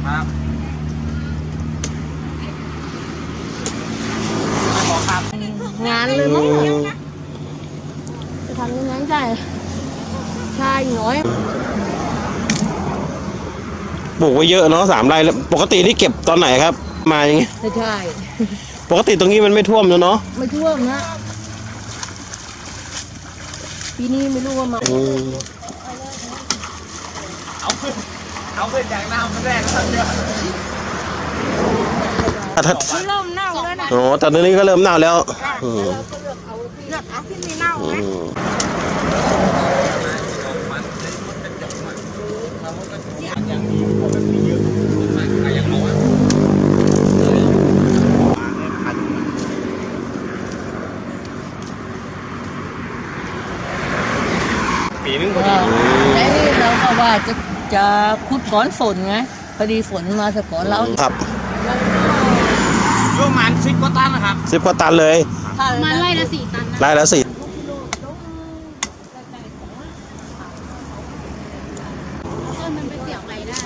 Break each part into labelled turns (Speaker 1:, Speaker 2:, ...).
Speaker 1: ครับ
Speaker 2: งานเลยมั้งจะทำยังไงได้ชายน้อย
Speaker 3: ปลูกไว้เยอะเนาะ3 ไร่แล้วปกติที่เก็บตอนไหนครับ มาอย่างงี้
Speaker 2: ใช่
Speaker 3: ปกติตรงนี้มันไม่ท่วมแล้วเนาะ
Speaker 2: ไม่ท่วมนะปีนี้ไม่รู้ว่ามา
Speaker 1: เอาขึ้นจากน้ำมันแรกก็เยอะ
Speaker 2: เริ่มเน่าแล้วนะ
Speaker 3: อ๋อแต่ตอนนี้ก็เริ่มเน่าแล้ว
Speaker 2: เลือกเอาที่ไม่เน่าไหม
Speaker 1: ยังมีคนแบบนี้เยอะมากๆยังเอาอ่ะปีนึงพอดี
Speaker 2: แต่นี่เราก็ว่าจะขุดก้อนฝนไงพอดีฝนมาสะก่อนเรา
Speaker 3: ครับ
Speaker 1: ประมาณ10 กว่าตันนะครับ
Speaker 3: 10 กว่าตันเลย
Speaker 2: มาไล่ละ4 ตันนะ
Speaker 3: ไร่ละ4
Speaker 2: มันไปเสียบอะไรได้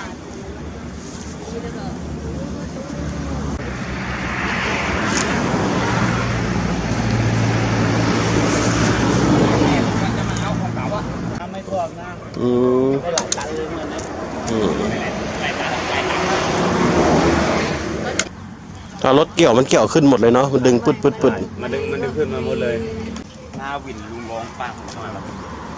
Speaker 1: ไม่ท่วมนะ ได้หลายตันเลยเงินนะหลายตัน
Speaker 3: ถ้ารถเกี่ยวมันเกี่ยวขึ้นหมดเลยเนาะมันดึงปึ๊ดปึ๊ดปึ๊ด
Speaker 1: มันดึงขึ้นมาหมดเลยหน้าวินลุงร้องป้าผมเข้ามาแล้ว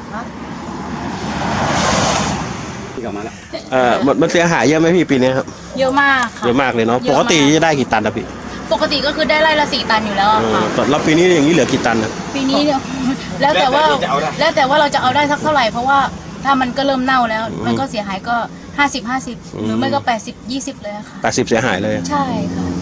Speaker 1: ที่กลับมาแล้ว
Speaker 3: มันเสียหายเยอะไหมพี่ปีนี้ครับ
Speaker 4: เยอะมากค่ะ
Speaker 3: เยอะมากเลยเนาะปกติจะได้กี่ตันนะพี่
Speaker 4: ปกติก็คือได้ไร่ละ4 ตันอยู่แล้วอะค่ะ
Speaker 3: แล้วปีนี้อย่างนี้เหลือกี่ตันนะ
Speaker 4: ปีนี้เนี่ย แล้วแต่ว่าเราจะเอาได้สักเท่าไหร่เพราะว่าถ้ามันก็เริ่มเน่าแล้ว มันก็เสียหายก็50-50หรือไม่ก็80-20เลยอะค่ะ
Speaker 3: 80เสียหายเลย
Speaker 4: ใช่ค่ะ